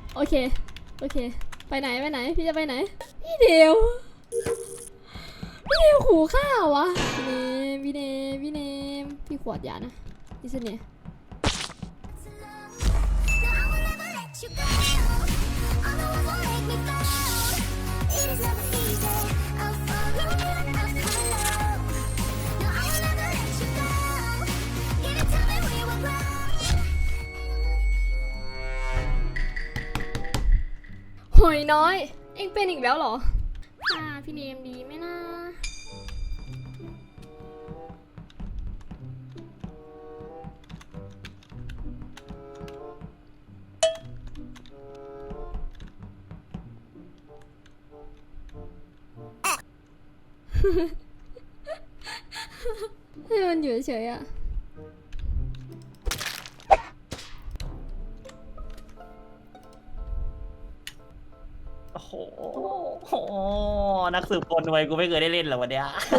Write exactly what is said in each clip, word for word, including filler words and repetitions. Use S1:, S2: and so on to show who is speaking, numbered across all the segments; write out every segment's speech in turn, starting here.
S1: โอเคโอเคไปไหนไปไหนพี่จะไปไหนพี่เดียวพี่เดียวขู่ข้าววะพี่เนมพี่เนมพี่เนมพี่ขวดยานะนี่สิเนี่ยหอยน้อยเอ็งเป็นอีกแล้วเหรอค่ะพี่เนมดีไหมนะให้มันอยู่เฉยๆอะ
S2: โอ้โหโหนักสืบคนรวยกูไม่เคยได้เล่นหรอวันเนี้ย
S1: โอ้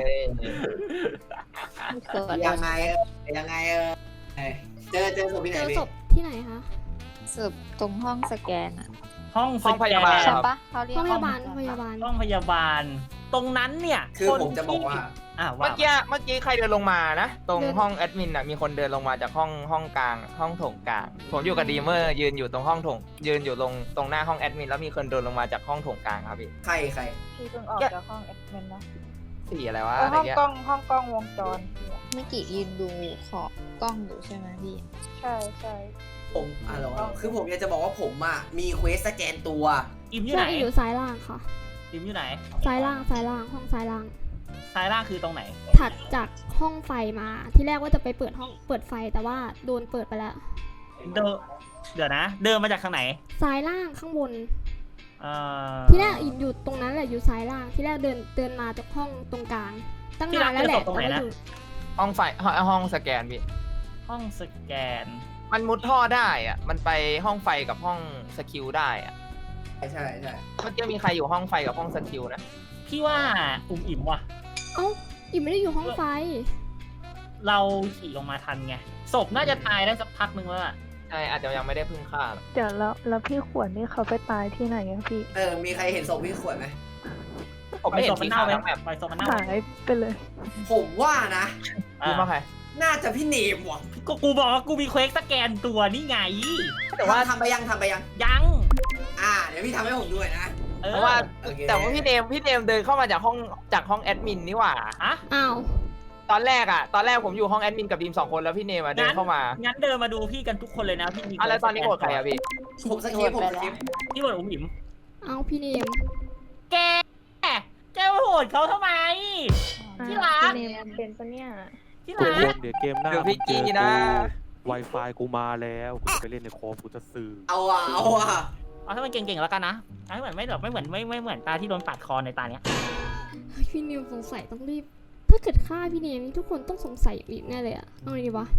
S3: ยังไงยังไงเออเจอเจอศพที่ไห
S1: เจ
S3: น
S1: อ
S3: พี่
S1: ศพที่ไหนคะ
S4: สืบตรงห้องสแกนอะ
S2: ห้องส
S5: ห้อง
S2: แก
S5: พยาบาล
S2: น
S4: ใช่ปะเขาเรียก
S1: ห้องพยาบาล
S4: ห้อง
S1: พยาบาล
S2: ห้องพยาบาล ตรงนั้นเนี่ย
S3: คือ
S2: น
S3: ผมจะบอกว่า
S2: อ่ะ
S5: เมื่
S2: ว่า
S5: อกี้เมื่อกี้ใครเดินลงมานะ ตรงห้องแอดมินอ่ะมีคนเดินลงมาจากห้องห้องกลาง ห้องโถงกลาง ผมอยู่กับดีเมอร์ยืนอยู่ตรงห้องโถงยืนอยู่ตรงตรงหน้าห้องแอดมินแล้วมีคนเดินลงมาจากห้องโถงกลางครับพี่
S3: ใครใคร
S6: พี่เพิ่งออกจากห้องแอดมินนะ
S5: สี่อะไรวะ
S6: เออ
S5: อะไร
S6: ห้อง
S5: เงี้ย
S6: กล้องห้องกล้องวงจรพี่อะ
S4: เมื่อกี้ยืนดูขอบกล้องอยู่ใช่ไหมพี่
S6: ใช่ใช่
S3: ผมอ่ะเหรอคือผมอยากจะบอกว่าผมอ่ะมีเควสสแกนตัว
S2: อิมอยู่
S1: ใช่
S2: ไหน
S1: อยู่ซ้ายล่างค่ะ
S2: อิมอยู่ไหน
S1: ซ้ายล่างซ้ายล่างห้องซ้ายล่าง
S2: ซ้ายล่างคือตรงไหน
S1: ถัดจากห้องไฟมาที่แรกว่าจะไปเปิดห้องเปิดไฟแต่ว่าโดนเปิดไปแล้ว
S2: เดินเดี๋ยวนะ เดินมาจากทางไหน
S1: ซ้ายล่างข้างบน
S2: เอ่อ
S1: ที่แรกอินอยู่ตรงนั้นแหละอยู่ซ้ายล่างที่แรกเดินเดินมาจากห้องตรงกลางตั้งนานแล้วแหละแต่ว่าอยู่
S5: ห้องไฟห้องห้องสแกนพี่
S2: ห้องสแกน
S5: มันมุดท่อได้อ่ะมันไปห้องไฟกับห้องสกิลได้อ่ะ
S3: ใช่ใช่ใช่
S5: เมื่อกี้มีใครอยู่ห้องไฟกับห้องสกิลนะ
S2: พี่ว่าอุ่มอิ่มว่ะ
S1: เอ้าอินไม่ได้อยู่ห้องไฟ
S2: เราขี่ลงมาทันไง ศพน่าจะตายได้สักพักนึงแล้วอะ
S5: ใช่อาจจะยังไม่ได้พึ่งฆ่าหรอก
S6: เดี๋ยวแล้วแล้วพี่ขวดนี่เขาไปตายที่ไหนอะพี่
S3: เออมีใครเห็นศพพี่ขวดไหม
S5: ผมไม่เห็น
S2: ศพมั
S5: สี
S2: นเน่า
S5: ขาว
S2: ไป
S5: ทั้งแบบ
S2: ปล่อยศพมันเน่า
S6: หายไปเลย
S3: ผมว่านะ
S5: รู้มาใคร
S3: น่าจะพี่เนมว่ะ
S2: ก็กูบอกว่ากูมีเควสสแกนตัวนี่ไง
S5: แต่ว่า
S3: ทำไปยังทำไปยัง
S2: ยัง
S3: อ่าเดี๋ยวพี่ทำให้ผมด้วยนะ
S2: เออ
S5: เพราะว่า
S3: โอเค
S5: แต่ว่าพี่เนมพี่เนมเดินเข้ามาจากห้องจากห้องแอดมินนี่หว่า
S2: อะ
S1: อ้าว
S5: ตอนแรกอะตอนแรกผมอยู่ห้องแอดมินกับดีมสองคนแล้วพี่เนมอะเดินเข้ามา
S2: งั้นเดินมาดูพี่กันทุกคนเลยนะพี่มี
S5: อะแล้วตอนนี้โกรธใครอะพี่
S3: ผมสกิปผมสกิป
S2: พี่บอกอุ่มอิ่ม
S1: เอาพี่เนม
S2: แกแกมาโหดเขาทำไม ที่รัก
S6: พี่เนมเป็นปะเนี่ย
S2: ที่
S7: ทุก
S2: รั
S7: ค
S2: ก
S7: นเดี๋ยวเกมหน้า
S5: เดี๋ยวพี่
S7: มึงเจอ
S5: กี้นะ
S7: กู Wi-Fi กูมาแล้วกูจะไปเล่นในคอมกูจะสื่อ
S3: เอาอ่ะเอาอ่ะ
S2: เอาให้มันเก่งๆแล้วกันนะเอาให้เหมือนไม่แบบไม่เหมือนไม่ไม่เหมือนตาที่โดนปาดคอในตาเนี้ย
S1: พี่เนมสงสัยต้องรีบถ้าเกิดฆ่าพี่เนมทุกคนต้องสงสัยอีกแน่เลยอะเอาไงดีวะ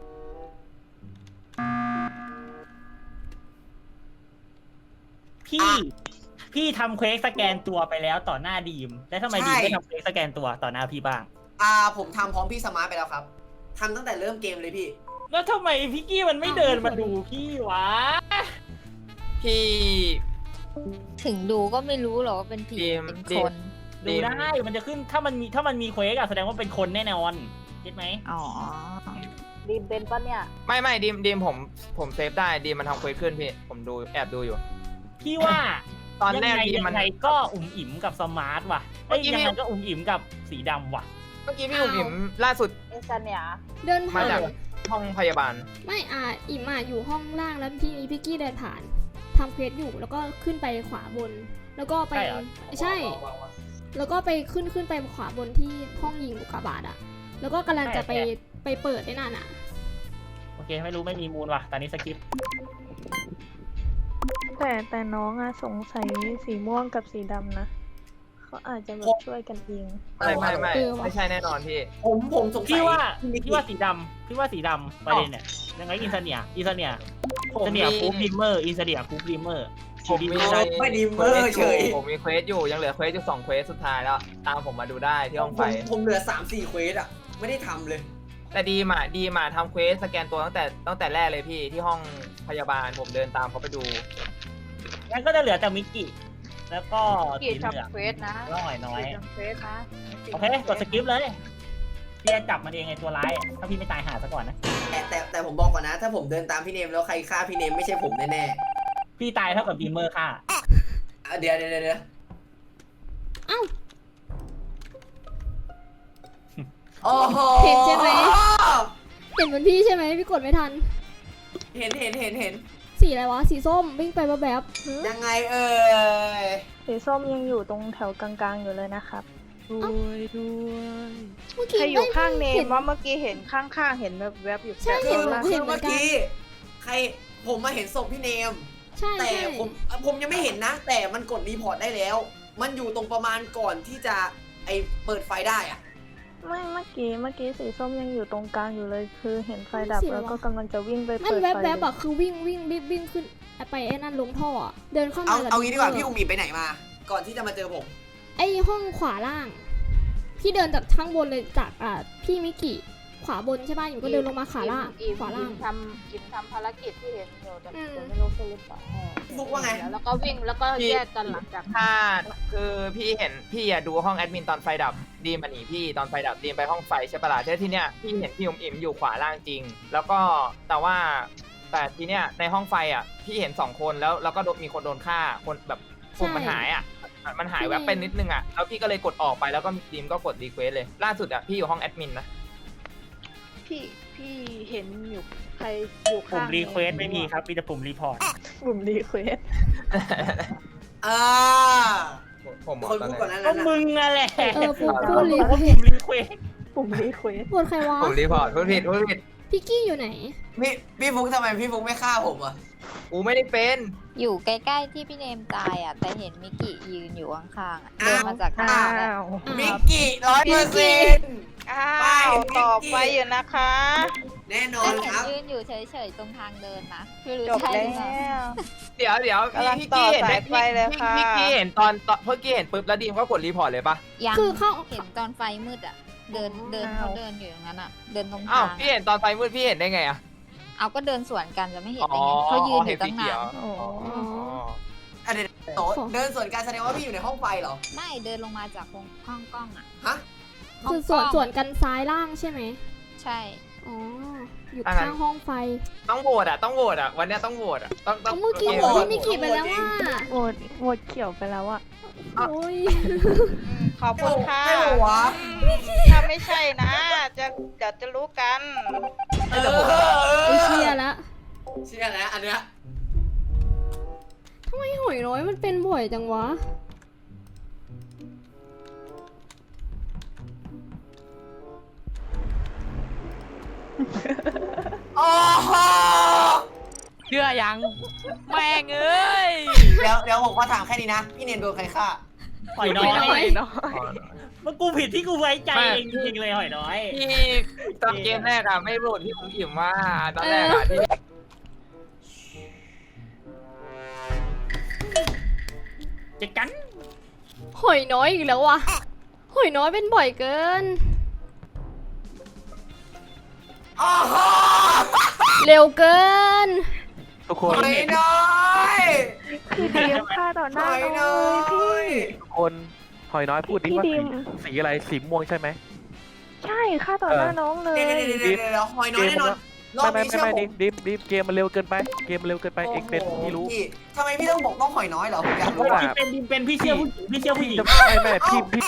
S2: พี่พี่ทำเควสสแกนตัวไปแล้วต่อหน้าดีมแล้วทำไมดีมไม่ทำเควสสแกนตัวต่อหน้าพี่บ้าง
S3: อ่าผมทำพร้อมพี่สมาร์ทไปแล้วครับทำตั้งแต่เริ่มเกมเลยพี่
S2: แล้วทำไมพี่กี้มันไม่เดินมาดูพี่วะ
S5: พี่
S4: ถึงดูก็ไม่รู้หรอกว่าเป็นผี
S5: ดีม
S4: เป็น
S5: ดี
S4: ค
S5: ม
S4: น
S2: ดูได้มันจะขึ้นถ้ามันมีถ้ามันมีเควสอะแสดงว่าเป็นคนแน่นอนคิดไหม
S4: อ๋อ
S6: ดีมเป็นปะเนี่ย
S5: ไม่ไม่ดีมดีมผมผมเซฟได้ดีมมันทำเควสขึ้นพี่ผมดูแอบดูอยู่
S2: พี่ว่า
S5: ตอนแรก
S2: ยังไง
S5: ดีม
S2: ยั
S5: มัน
S2: งไงก็อุ่มอิ่มกับสมาร์ทว่ะเอ้ย
S5: เมื่อกี้
S2: ยัง
S5: พี่
S2: ไงก็อุ่มอิ่มกับสีดำว่ะ
S5: เมื่อกี้พี่อุ๋มอิ๋มล่าสุด
S6: อินซันเนี่ย
S1: เดินผ่า
S5: มาจาก
S1: น
S5: ห้องพยาบาล
S1: ไม่อ่ะอิมอ่ะอยู่ห้องล่างแล้วพี่นี้พี่กี้เดินผ่านทำเควสอยู่แล้วก็ขึ้นไปขวาบน แล้วก็ไป
S2: ใช่เหรอ
S1: ใช่ แล้วก็ไปขึ้นขึ้นไปขวาบนที่ห้องยิงอุกกาบาตอ่ะ แล้วก็กำลังจะไปไปเปิดได้นั่นอ่ะ
S2: โอเคไม่รู้ไม่มีมูลว่ะตอนนี้สกิป
S6: แต่แต่น้องอะสงสัยสีม่วงกับสีดำนะเขาอาจจะแบบช่วยกันยิง
S5: ไม่ไม่ไม่
S1: เออว่ะ
S5: ไม่ใช่แน่นอนพี่
S3: ผมผมสงสั
S2: พี่
S3: ย
S2: ว่า
S3: นิก
S2: พี่
S3: กี้
S2: ว่าสีดำพี่ว่าสีดำประเด็นเนี่ยยังไงอินเสเนียอินเสเนีย
S5: ผม
S2: อินเส
S5: มี
S2: เนียคูปดิมเมอร์อินเสเนียคูปดิมเมอร์
S5: ผมมี
S3: ไม่ดีเมอร์เฉย
S5: ผมมีเควสอยู่ยังเหลือเควสอยู่สองเควสสุดท้ายแล้ว ตามผมมาดูได้ที่ห้อง
S3: ผ
S5: ไฟ
S3: มผมเหลือสามสี่เควสอ่ะไม่ได้ทำเลย
S5: แต่ดีมาดีมาทำเควสสแกนตัวตั้งแต่ตั้งแต่แรกเลยพี่ที่ห้องพยาบาลผมเดินตามเขาไปดู
S2: งั้นก็จะเหลือแต่มิกกี้แล้วก็
S8: กี
S2: สีเหลือง
S8: ทำเควสนะ
S2: แล้วหอยน้อย
S8: กีทำเควสนะ
S2: โอเคกดสกิปเลยพี่จะจับมันเองไงตัวร้ายอะถ้าพี่ไม่ตายหาซะก่อนนะ
S3: แต่แต่แต่ผมบอกก่อนนะ ถ้าผมเดินตามพี่เนมแล้วใครฆ่าพี่เนมไม่ใช่ผมแน่
S2: พี่ตายเท่ากับดีเมอร์ค่ะ
S3: ๆอ่ะเดี๋ยวเดี๋ยวเดี๋ยวเดี๋ยว
S1: เอ้า
S3: โอ้โห
S1: เห็นใช่ไหม เห็นเหมือนพี่ใช่ไหมพี่กดไม่ทัน
S3: เห็นเห็นเห็นเห็น
S1: สีอะไรวะ สีส้มวิ่งไปแบบ
S3: ยังไงเอ่ย
S6: สีส้มยังอยู่ตรงแถวกลางๆอยู่เลยนะครับ
S7: ด้วยด้วย
S1: ๆเมื่อ
S8: ใค
S1: กี้
S8: รอยู่ข้างเน
S1: ห็
S8: มว่าเมื่อกี้เห็นข้างๆเห็นแวบๆอยู่
S1: ใช่
S8: แบบ
S1: เห็น
S8: เออ
S1: เห็น
S3: คือเมื่อกี้ใครผมมาเห็นศพพี่เนม
S1: ใช่
S3: แต่
S1: ใช่
S3: ผมผมยังไม่เห็นนะ แต่มันกดรีพอร์ตได้แล้ว มันอยู่ตรงประมาณก่อนที่จะไอเปิดไฟได้อะ
S6: ไม่เมื่อกี้เมื่อกี้สีส้มยังอยู่ตรงกลางอยู่เลย คือเห็นไฟดับแล้วก็กำลังจะวิ่งไป
S1: มัน
S6: เปิด
S1: แว
S6: ไฟ
S1: บๆอะคือวิ่งวิ่งรีบวิ่งขึ้นไปไอ้นั่นลงท่ออะเดินเข้า
S3: เอา
S1: มา
S3: เอางี้ดีกว่าพี่อุ๋มมีไปไหนมา ก่อนที่จะมาเจอผม
S1: ไอ้ห้องขวาล่าง พี่เดินจากข้างบนเลยจากอ่าพี่มิกิขวาบนใช่ป่ะอยู่ก็เดินลงมาขาล่าง
S8: อิ่ม
S1: ขวาล่าง
S8: อิ่มทำอิ่มทำภารกิจที่เห็นอยู่แต่
S1: อืม
S8: แต่ไม่รู้คือหรือเปล่า
S3: พี่ฟุกว่าไง
S8: แล้วก็วิ่งแล้วก็แยกกันหลังจาก
S5: ถ้าคือพี่เห็นพี่อะดูห้องแอดมินตอนไฟดับดีมมาหนีพี่ตอนไฟดับดีมไปห้องไฟใช่ปะล่ะใช่ที่เนี้ยพี่เห็นพี่อุ๋มอิ๋มอยู่ขวาล่างจริง แล้วก็แต่ว่าแต่ทีเนี้ยในห้องไฟอ่ะพี่เห็นสองคนแล้วแล้วก็โดนมีคนโดนฆ่าคนแบบปุ่มมันหายอ่ะมันหายแวบไปนิดนึงอ่ะแล้วพี่ก็เลยกดออกไปแล้วก็ดีมก็กดรีเควสเลยล่าสุดอ่ะพี่อยู่ห้องแอดมินนะ
S8: พี่พี่เห็นอยู่ใครอยู่
S2: ปุ่
S8: ข้าม ง
S2: รีเควสไม่มีครับมีแต่ปุ่มรีพอร์ต
S6: กลุ่มรีเควส
S3: อ่า
S5: ผมบอก
S3: คน
S5: ตอน
S3: พูด
S5: นั้
S3: ก่อน
S5: น
S3: นั้น
S2: ก็
S3: นะ
S2: มึงอะแหละ
S1: เออฟูฟู
S2: บอก
S1: รี
S2: ว่า
S1: เคว
S2: ปุ่
S1: ส
S2: มรีเควส
S6: กลุ่มรีเควส
S1: ปวดใครวะ
S5: ผมรีพอร์ตพูดผิดพูดผิด
S1: พิกกี้อยู่ไหน
S3: พี่พี่ฟุกทำไมพี่ฟุกไม่ฆ่าผมอ่ะ
S5: กูไม่ได้เป็น
S4: อยู่ใกล้ๆที่พี่เนมตายอ่ะ แต่เห็นมิกิยืนอยู่ข้างๆอะเดินมาจากข้าง
S6: อ้า
S4: หน้าอะ
S6: ว
S3: มิกกี้ร้อยเปอร์เซ็นต์
S8: อ้า
S3: ไป
S8: ว
S3: มิกกี้
S8: ต่อไปอยู่นะคะ
S3: แน่นอ
S4: ก็
S3: น
S4: เห็
S3: คน รับ
S4: ยืนอยู่เฉยๆตรงทางเดินนะไม่รู้
S8: จบ
S4: ใช่
S8: แล้
S4: หรือเปล่า
S8: ว
S5: เดี๋ยวเดี๋ยว
S8: กำลัง
S5: พี่
S8: ต่อ
S5: กี้เห็นไหม
S8: สายไฟเลยค่ะ
S5: พี่กี้เห็นตอนตอนเมื่อกี้เห็นปุ๊บแล้วดีมก็กดรีพอร์ตเลยปะ
S4: ยัง
S1: คือเข้า
S4: เห็นตอนไฟมืดอ่ะ เดินเดินเขาเดินอยู่อย่างนั้นอ่ะ เดินตรง
S5: อ้า
S4: ทาว ง
S5: พี่เห็นตอนไฟมืดพี่เห็นได้ไงอะ
S4: เอาก็เดินสวนกันจะไม่เห็น
S5: อ๋อ
S4: ได้ไงเขายืนอ
S5: เห็น
S4: ยู่
S5: สี
S4: ตั้ง
S5: เขี
S4: นา
S5: ยว
S4: น
S6: โอ้โห
S5: อ๋อ
S3: อันเดียวโตเดินสวนการแสดงว่าพี่อยู่ในห้องไฟเหรอ
S4: ไม่เดินลงมาจากห้องห้องกล้องอ่ะ
S3: ฮะ
S1: คือส่วนส่วนกันซ้ายล่างใช่ไหม
S4: ใช่
S1: อ๋อ อยู่
S5: อ่างั้น
S1: ข้างห้องไฟ
S5: ต้องโหวตอ่ะต้องโหวตอ่ะวันเนี้ยต้องโหวตอ่ะต้องต้อ
S1: เอา
S5: ง
S1: เมื่อกี้
S3: โ
S1: บอกพี่มิกิไปแล้วว่า
S6: โหวตโหวตเขียวไปแล้วอะ
S1: โอ้ย
S8: ขอบคุณค่ะ
S3: ไม่บอกวะ
S8: ถ้าไม่ใช่นะ จะเดี๋ยวจะรู้กัน
S3: เออ
S1: ไอเชียแล้ว
S3: เชื่อแล้วอันเนี้ย
S1: ทำไมหอยน้อยมันเป็นบ่อยจังวะ
S3: โอ้โห
S2: เชื่อยังแม่งเอ้ย
S3: เดี๋ยวเดี๋ยวผมขอถามแค่นี้นะ พี่เนนโดนใครฆ่า
S2: หอยน้อ
S1: หอยน้อย ย
S2: มันกูผิดที่กูไว้ใจเองจริงๆเลยหอยน้อย
S5: พี่ตอนเกมแรกอ่ะไม่โหวตพี่ผมอิ่มว่าตอนแรกอ่ะที่
S2: เจะกัน
S1: หอยน้อยอีกแล้ววะหอยน้อยเป็นบ่อยเกิน
S3: โอ้โห
S1: เร็วเกิน
S7: ทุกค
S3: ห
S7: น
S3: อยน้อย
S6: คือดีมฆ่าต่อห
S3: ห
S6: น้า
S3: อย
S6: น้อง
S3: น้อ
S6: เลยพี่
S3: ย
S7: ทุกคนหอยน้อยพูดดิ
S6: พี่
S7: ว่า
S6: ดิ
S7: สี
S6: ม
S7: สีอะไรสีม่วงใช่ไหม
S6: ใช่ฆ่าต่อหน้าน้องเลย
S3: เดี๋ยวเดี๋ยวเดี๋ยวเดี๋ยวหอยน้อยแน่นอนรอบ
S7: ไม่
S3: นี้
S7: ไม่
S3: เชื่อ
S7: ไม่
S3: ผ
S7: ดิ
S3: ม
S7: ดิมดิมเกมมันเร็วเกินไปเกมมันเร็วเกินไปเอ็กเป็นพี่รู้
S3: พี่ทำไมพี่ต้องบอกต้องหอยน้อยเหรอผมอยากรู้
S7: ว่า
S2: พี่เป็นดิมเป็นพี่เชื่อผู้หญิงพี่เชื่อผู้หญิง
S7: จะไม่ไม่พี่พี่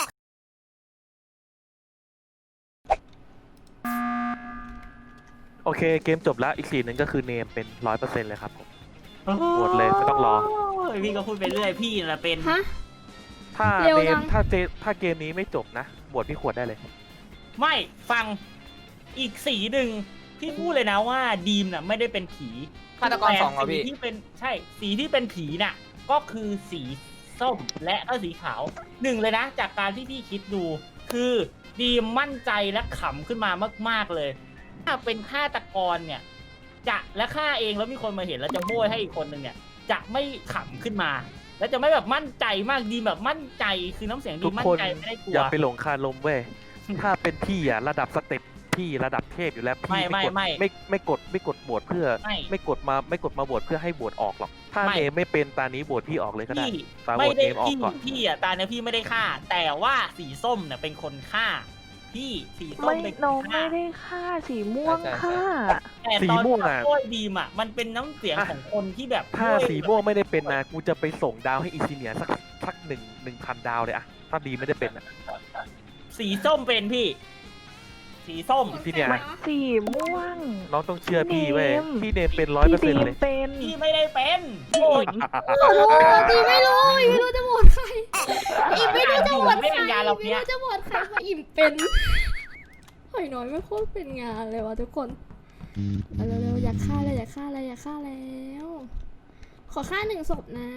S7: โอเคเกมจบแล้วอีกสีหนึ่งก็คือเนมเป็นร้อยเปอร์เซ็นต์เลยครับผม หมดเลยไม่ต้องรอ
S2: โยพี่ก็พูดไปเรื่อยพี่น่ะเป็น
S1: ฮะ
S7: ถ้า
S1: เร็ว
S7: เก
S1: จั
S7: ม
S1: ง
S7: ถ้าเจถ้าเกมนี้ไม่จบนะบวชพี่ขวดได้เลย
S2: ไม่ฟังอีกสีหนึ่งพี่พูดเลยนะว่าดีมน่ะไม่ได้เป็นผี
S5: ฆาตกรสองเหรอ
S2: แต่
S5: พี่
S2: สีที่เป็นใช่สีที่เป็นผีน่ะ ก็คือสีส้มและก็สีขาวหนึ่งเลยนะ จากการที่พี่คิดดู คือดีมมั่นใจและขำขึ้นมามาก ๆเลย ถ้าเป็นฆาตกรเนี่ย จะและฆ่าเองแล้วมีคนมาเห็นแล้วจะโบยให้อีกคนหนึ่งเนี่ย จะไม่ขำขึ้นมา แล้วจะไม่แบบมั่นใจมากดีแบบมั่นใจคือน้ำเสียงดี
S7: ทุก
S2: มั่น
S7: คน
S2: ใจไม่ได้กลั
S7: อย่าว ไปหลงคาลมเว้ย ถ้าเป็นพี่อ่ะระดับสเต็ปพี่ระดับเทพอยู่แล้วพี่
S2: ไม่
S7: ไม่กด
S2: ไม่
S7: ไม่ไม่กดไม่กดโหวตเพื่อ
S2: ไม่
S7: ไม่กดมาไม่กดมาโหวตเพื่อให้โหวตออกหรอกถ้า
S2: ไม่
S7: เนมไม่เป็นตานี้โหวตพี่ออกเลยก็ได้
S2: พี่
S7: ตาโหว
S2: ไม่
S7: ต
S2: ได้
S7: เนมออก
S2: พี่
S7: ก่อน
S2: พี่อ่ะตาเนี่ยพี่ไม่ได้ฆ่า แต่ว่าสีส้มเนี่ยเป็นคนฆ่า พี่สีส้ม
S6: ไม่
S2: เป็นค
S6: น้อง
S2: นฆ่า
S6: ไม่ได้ฆ่าสีม่วงฆ่า
S2: แต่
S7: สี
S2: ตอน
S7: ม่วงอะ
S2: ช่วยดีมอ่ะมันเป็นน้ำเสียงของคนที่แบบ
S7: ถ้า
S2: ช่วย
S7: สีม่วงไม่ได้เป็นนะกูจะไปส่งดาวให้อีซีเนียสักสักหนึ่งหนึ่งพันดาวเลยอะถ้าดีไม่ได้เป็นอะ
S2: สีส้มเป็นพี่ สีส้ม
S7: ที่เนี่ย
S6: สีม่วง
S7: น้องต้องเชื่อพี่เว้ย
S6: เนม
S7: พี่เนมเป็นร้อยเปอร์
S6: พี่
S7: เซ็น
S6: ดี
S7: ต์
S6: ม
S7: เลย
S6: เป็น
S2: พี่ไม่ได้เป็นโอ้ย
S1: ขอโทษอีไม่รู้อีไม่รู้จะโหวตใครอีไม่รู้จะโหวตใคร
S2: ไม่เป็นยาเรา
S1: อี
S2: เนี้
S1: ไม่
S2: ย
S1: รู้จะโหวตใครเพราะอิ่มเป็นหอยน้อยไม่โคตรเป็นงานเลยวะทุกคนเอาเร็วๆอยากฆ่าเลยอยากฆ่าเลยอยากฆ่าแล้ว ขอฆ่าหนึ่งศพนะ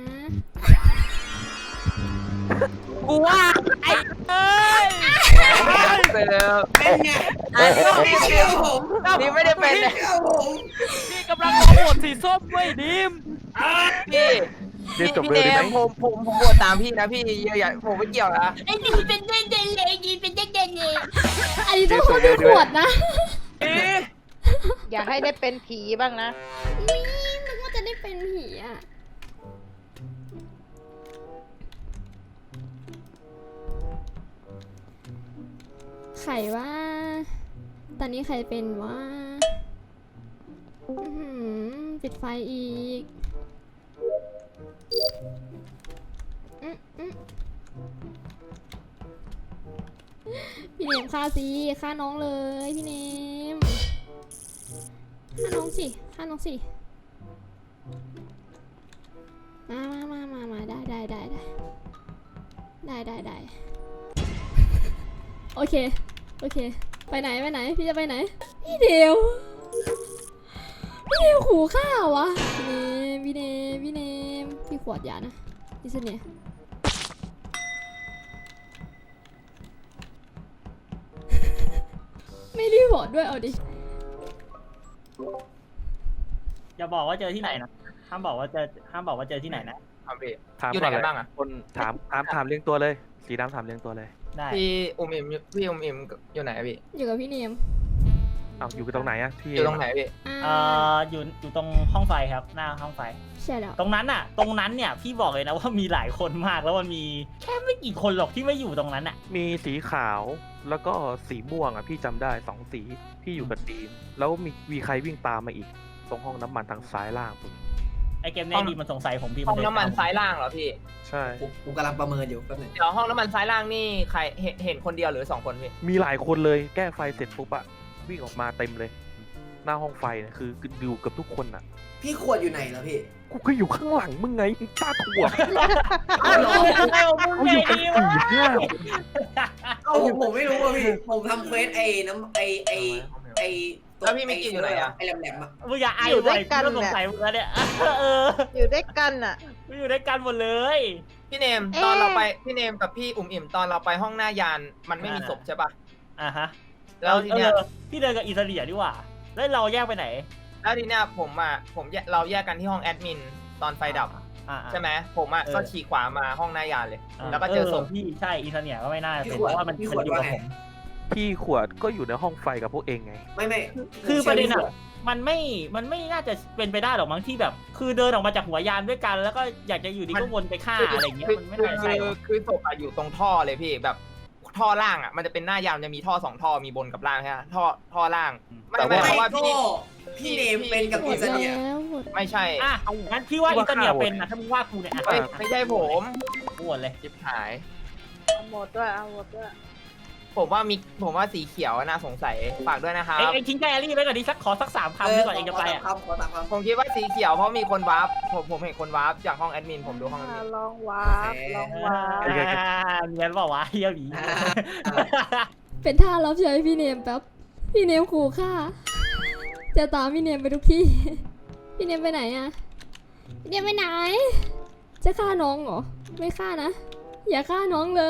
S2: กูว่าไอ้เอ้ย
S5: ไปแล้ว
S3: เป็นไงไม่เชื่อผม
S5: นี่ไม่ได้เป็น
S3: ไม่เชื่อผม
S2: พี่กำลังขอโหวตสีส้มเว้ยดิม
S5: พี่
S7: เรียนจบ
S5: พี่
S7: เลย
S5: เน
S7: ได้ไหม
S5: มผมผมผมโหวตตามพี่นะพี่อย่าอย่าผมไม่เกี่ยวนะ
S2: ไอ้ดิมเป็นเด่นเด่นเลยดิมเป็นเด่นเด่นเลย
S1: อันนี้ต้องโทษพี่ขวดนะ
S8: อยากให้ได้เป็นผีบ้างนะ
S1: นี่นึกว่าจะได้เป็นผีอ่ะ ไข่ว่า ตอนนี้ใครเป็นว่าอื้อหือปิดไฟอีกอื้ออื้อพี่เนมฆ่าสิฆ่าน้องเลยพี่เนมฆ่าน้องสิฆ่าน้องสิมามามามามาได้ได้ได้ได้ได้ได้ได้โอเคโอเคไปไหนไปไหนพี่จะไปไหนพี่เดียวพี่เดียวขู่ข้าววะพี่เนมพี่เนมพี่เนมพี่ขวดยานะดิสเนียไม่รีบอดด้วยเอาดิ
S2: อย่าบอกว่าเจอที่ไหนนะห้ามบอกว่าเจอห้ามบอกว่าเจอที่ไหนนะ
S5: ครับพี่
S7: ถาม
S5: อยู่ไหน
S7: ก่อน
S5: กัน
S7: เลย
S5: บ้างอะ
S7: คนถามถามถามเรียงตัวเลย สีดำถามเรียงตัวเลย
S2: ได้
S5: พี่อุมอิมพี่อุมอิมอยู่ไหนอะพี่
S1: อยู่กับพี่เนม
S7: เอาอยู่กันตรงไหนอะที่
S5: อยู่ตรงไหนพี่
S1: อ่า
S2: เอ่ออยู่อยู่ตรงห้องไฟครับหน้าห้องไฟ
S1: ใช่แล้ว
S2: ตรงนั้นน่ะ ตรงนั้นเนี่ยพี่บอกเลยนะว่ามีหลายคนมากแล้วมันมีแค่ไม่กี่คนหรอกที่ไม่อยู่ตรงนั้นอ่ะ
S7: มีสีขาวแล้วก็สีม่วงอะพี่จำได้สองสีพี่อยู่กับดีมแล้วมีมีใครวิ่งตามมาอีก ตรงห้องน้ำมันทางซ้ายล่างผม
S2: ไอเกมเนี้ยดีมันสงสัยผมพี่
S5: ห้อง
S2: เลย
S5: น้ำมันซ้ายล่างเหรอพี่
S7: ใช่
S3: ผมผมกำลังประเมินอยู่แป๊บหนึง
S5: เดี๋ยวห้องน้ำมันซ้ายล่างนี่ใครเห็นเห็นคนเดียวหรือสองคนพี่
S7: มีหลายคนเลยแก้ไฟเสร็จปุ๊บอะวิ่งออกมาเต็มเลย หน้าห้องไฟเนี่ยคืออยู่กับทุกคนอะ
S3: พี่ขวดอยู่ไหนแล้วพี่
S7: กูก็อยู่ข้างหลังมึงไงมึงตาถั่ว
S2: อ้าวเหรอเอามึง
S7: กู
S2: ไง
S7: อยู่กัน
S2: ดี
S7: สี่
S2: วะ
S7: ห้า
S3: เอ้าผมผมไม่รู้อ่ะพี่ ผมทำเควสไอ้น้ำไอ้ไอ้ไอ้ตัว
S5: แล้วพี่มิกกี้อยู่ไหนอะ
S3: ไอ้แหลมๆอะ
S2: มึงอย่าไอ้
S8: อยู่ด้วย
S2: บ่
S8: กัน
S2: กูสง
S8: เนี่ย
S2: สัยมึงแล้วเนี่ยเออ
S8: อยู่ด้วยกันอ่ะ
S2: กูอยู่ด้วยกันหมดเลย
S5: พี่เนม
S8: เอ๊ะ
S5: ตอนเราไปพี่เนมกับพี่อุ๋มอิ่มตอนเราไปห้องหน้ายานมันไม่มีศพใช่ปะ
S2: อ่ะฮะ
S5: แล้วทีเนี้ย
S2: ออพี่เดินกับอิสเรียดีกว่าแล้วเราแยกไปไหน
S5: แล้วทีเนี้ยผมอ่ะผมแยกเราแยกกันที่ห้องแอดมินตอนไฟดับ
S2: อ่า
S5: ใช่ไหมผมอ่ะ
S2: เออ
S5: ก็ฉีกขวามาห้องหน้ายานเลย แล้วก็เจอศพ
S2: พี่ใช่อิสเรียก็ไม่น่า
S3: พี่
S2: เป็น
S3: ขวด
S2: เพราะว่ามัน
S3: พี่ข
S2: มั
S3: วด
S2: นอยู่
S3: ว่า
S2: กับ
S3: ไง
S2: ผม
S7: พี่ขวดก็อยู่ในห้องไฟกับพวกเองไง
S3: ไม่ไม่
S2: คือประเด็น
S3: ผม
S2: อ่ะมันไม่ มันไม่น่าจะเป็นไปได้หรอกมั้งที่แบบ คือเดินออกมาจากหัวยานด้วยกัน แล้วก็อยากจะอยู่ดีก็วนไปฆ่าอะไรอย่างเงี้ย
S5: คือ
S2: มันไม่
S5: คือ
S2: น่าใช่หรอก
S5: คือศพอะอยู่ตรงท่อเลยพี่แบบท่อล่างอ่ะมันจะเป็นหน้ายานจะมีท่อสองท่อมีบนกับล่างใช่ไหมท่อท่อล่างไม่
S7: แต่
S5: ไม่
S7: ว่า
S5: เพราะว่า
S3: ก็
S5: พี่
S3: พี่เนมเป็นกับ
S1: หม
S3: อิ
S1: ด
S3: สเนีย
S1: แล้วหมด
S5: ไม่ใช่
S2: อ่ะงั้นพี่ว่าอิสเนียเป็นนะถ้ามึงว่ากูเนี่ยอ่ะ
S5: ไม่ไม่ใช่ผม
S2: กูหมดเลย
S5: จิบหาย
S8: เอาหมดด้วย เอาหมดด้วย
S5: ผมว่ามีผมว่าสีเขียวน่าสงสัยฝากด้วยนะครับ
S2: เอ็งเอ็งทิ้งแกรี่ไว้ก่อนดิสักขอสักสามคำดีกว่าเอ็งจะไปอ่ะ
S3: ขอตามคำขอตามคำ
S5: ผมคิดว่าสีเขียวเพราะมีคนวาร์ปผมผมเห็นคนวาร์ปจากห้องแอดมินผมดูห้องแอดมิน
S8: ลองวาร์ปลองวาร์ป
S2: อ่าเนียนเปล่าวะเฮียหวี
S1: เป็นท่ารับใช้พี่เนมแป๊บ พี่เนมขู่ฆ่า จะตามพี่เนมไปทุกที่ พี่เนมไปไหนอะพี่เนมไปไหน จะฆ่าน้องเหรอ ไม่ฆ่านะ อย่าฆ่าน้องเลย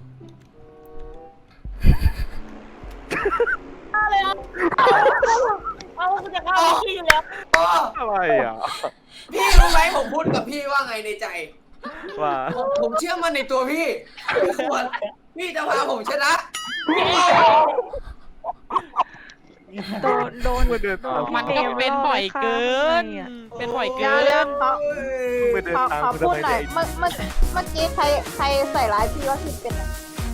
S2: เอากูจะเข้าที่อยู่แล้ว
S3: อ๋อ
S7: อะไรอ่ะ
S3: พี่รู้ไหมผมพูดกับพี่ว่าไงในใจ
S7: ว่า
S3: ผมผมเชื่อมั่นในตัวพี่พี่ขวดพี่จะพาผมชนะ
S6: โดนโดน
S7: ไม่เดิน
S6: โด
S7: ตาม
S6: น
S9: มัน
S6: พี่
S9: ก็
S6: เม
S9: เป็น
S6: ล่
S9: บ่อย
S6: ฆ่า
S9: เกิน
S6: ข้างในอะ
S9: เป็นบ่อย
S4: เดี๋
S9: เกิ
S4: ยวเดี๋ยวน ขอ
S3: เอ้ย
S7: ไม่เดิน
S4: ขอ
S7: ตาม
S4: ขอ
S7: กู
S4: พู
S7: ทำ
S4: ด
S7: ไม
S4: หน่อย
S7: เนี่ย
S4: เมื่อเมื่อเมื่อกี้ใครใครใส่ร้ายพี่ว่าพี่เป็นอะ